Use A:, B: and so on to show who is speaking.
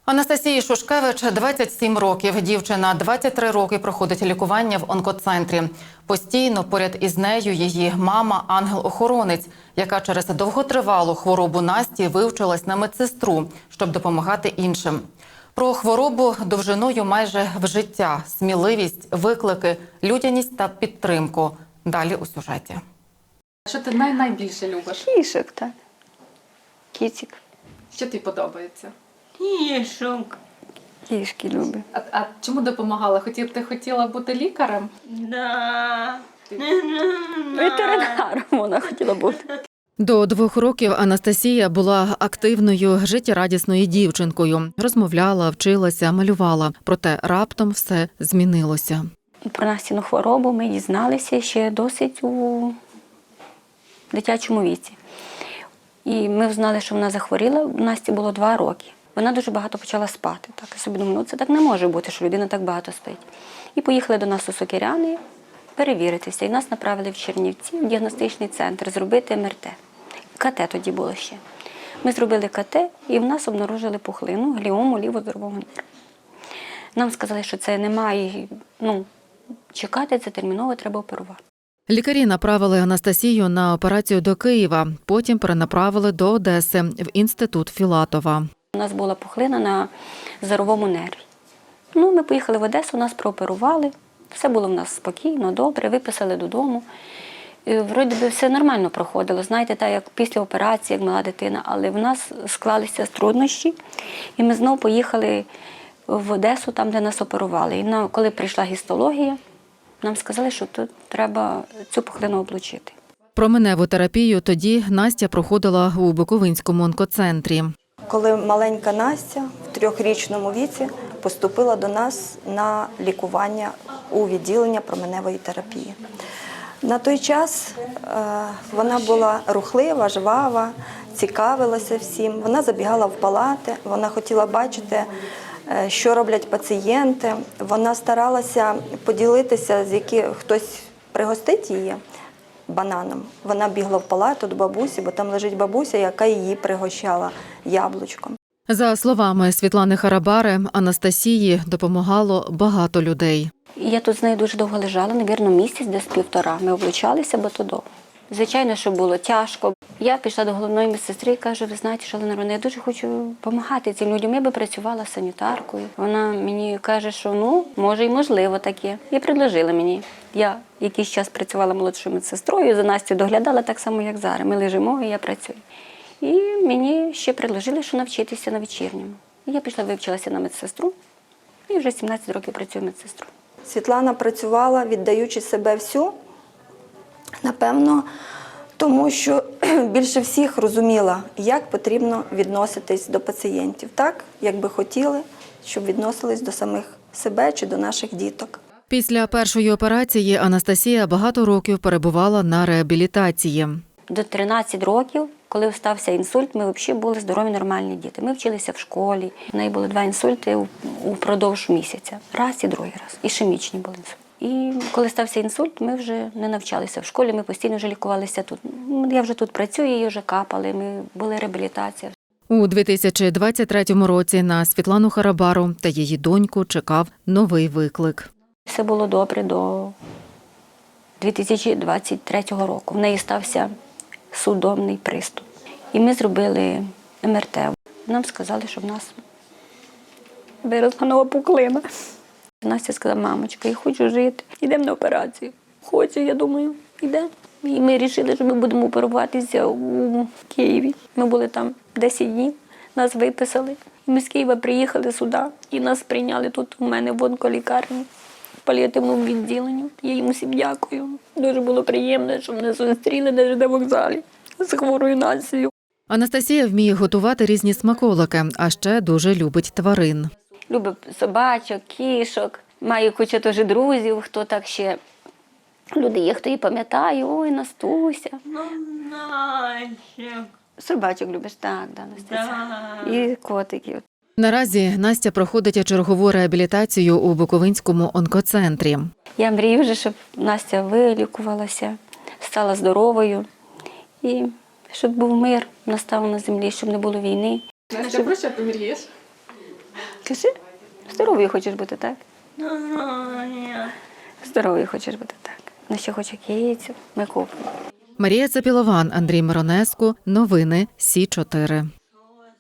A: Анастасії Шушкевич 27 років. Дівчина 23 роки проходить лікування в онкоцентрі. Постійно поряд із нею її мама – ангел-охоронець, яка через довготривалу хворобу Насті вивчилась на медсестру, щоб допомагати іншим. Про хворобу довжиною майже в життя, сміливість, виклики, людяність та підтримку. Далі у сюжеті.
B: Що ти найбільше любиш?
C: Кішок, так. Кіцик.
B: Що тобі подобається?
D: Кішок.
C: Кішки любить.
B: А чому допомагала? Ти хотіла бути лікарем?
D: Да.
C: Ветеринаром вона хотіла бути.
A: До 2 років Анастасія була активною, життєрадісною дівчинкою. Розмовляла, вчилася, малювала. Проте раптом все змінилося.
C: Про Настіну хворобу ми дізналися ще досить у дитячому віці. І ми знали, що вона захворіла, у Насті було 2 роки. Вона дуже багато почала спати. Так, я собі думаю, це так не може бути, що людина так багато спить. І поїхали до нас у Сокиряни перевіритися. І нас направили в Чернівці, в діагностичний центр, зробити МРТ. КТ тоді було ще. Ми зробили КТ, і в нас обнаружили пухлину, гліому лівоздорового нерва. Нам сказали, що це немає, чекати, це терміново, треба оперувати.
A: Лікарі направили Анастасію на операцію до Києва, потім перенаправили до Одеси, в інститут Філатова.
C: У нас була пухлина на зоровому нерві. Ми поїхали в Одесу, нас прооперували. Все було в нас спокійно, добре, виписали додому. І, вроді би, все нормально проходило, знаєте, так як після операції, як мала дитина. Але в нас склалися труднощі, і ми знову поїхали в Одесу, там, де нас оперували. І коли прийшла гістологія, нам сказали, що тут треба цю пухлину облучити.
A: Променеву терапію тоді Настя проходила у Буковинському онкоцентрі.
E: Коли маленька Настя в 3-річному віці поступила до нас на лікування у відділення променевої терапії. На той час вона була рухлива, жвава, цікавилася всім. Вона забігала в палати, вона хотіла бачити, що роблять пацієнти. Вона старалася поділитися, хтось пригостить її бананом. Вона бігла в палату до бабусі, бо там лежить бабуся, яка її пригощала яблучком.
A: За словами Світлани Харабари, Анастасії допомагало багато людей.
C: Я тут з нею дуже довго лежала, мабуть, місяць, десь 1,5. Ми облучалися, бо то довго. Звичайно, що було тяжко. Я пішла до головної медсестри і кажу, ви знаєте, Шалена Романівна, я дуже хочу допомагати цим людям. Я би працювала санітаркою. Вона мені каже, що може і можливо таке. І предложила мені. Я якийсь час працювала молодшою медсестрою, за Настю доглядала так само, як зараз. Ми лежимо, і я працюю. І мені ще предложили, що навчитися на вечірньому. І я пішла, вивчилася на медсестру, і вже 17 років працюю медсестрою.
E: Світлана працювала, віддаючи себе всю, напевно, тому що більше всіх розуміла, як потрібно відноситись до пацієнтів. Так, як би хотіли, щоб відносились до самих себе чи до наших діток.
A: Після першої операції Анастасія багато років перебувала на реабілітації.
C: До 13 років, коли стався інсульт, ми взагалі були здорові, нормальні діти. Ми вчилися в школі. У неї були 2 інсульти упродовж місяця. Раз і другий раз. Ішемічні були інсульти. І коли стався інсульт, ми вже не навчалися в школі, ми постійно вже лікувалися тут. Я вже тут працюю, її вже капали, ми були реабілітація.
A: У 2023 році на Світлану Харабару та її доньку чекав новий виклик.
C: Все було добре до 2023 року. В неї стався судомний приступ. І ми зробили МРТ. Нам сказали, що в нас виросла нова пухлина. Настя сказала, мамочка, я хочу жити, йдемо на операцію. Хочу, я думаю, йдемо. І ми вирішили, що ми будемо оперуватися у Києві. Ми були там 10 днів, нас виписали. Ми з Києва приїхали сюди і нас прийняли тут у мене в онколікарні, в паліативному відділенні. Я їм усім дякую. Дуже було приємно, що мене зустріли на ЖД вокзалі з хворою Настею.
A: Анастасія вміє готувати різні смаколики, а ще дуже любить тварин.
C: Любить собачок, кішок. Маю кучу теж друзів, хто так ще люди є, хто її пам'ятає. Ой, Настуся.
D: Настя.
C: Собачок любиш? Так, Настуся.
D: Да.
C: І котиків.
A: Наразі Настя проходить чергову реабілітацію у Буковинському онкоцентрі.
C: Я мрію вже, щоб Настя вилікувалася, стала здоровою. І щоб був мир, настав на землі, щоб не було війни.
B: Настя, про що ти мрієш?
C: Кажи, здоровою хочеш бути, так?
D: Здоров'я.
C: Здоровою хочеш бути, так. Ну, ще хоче кицю, ми купимо.
A: Марія Цапілован, Андрій Миронеску. Новини Сі 4.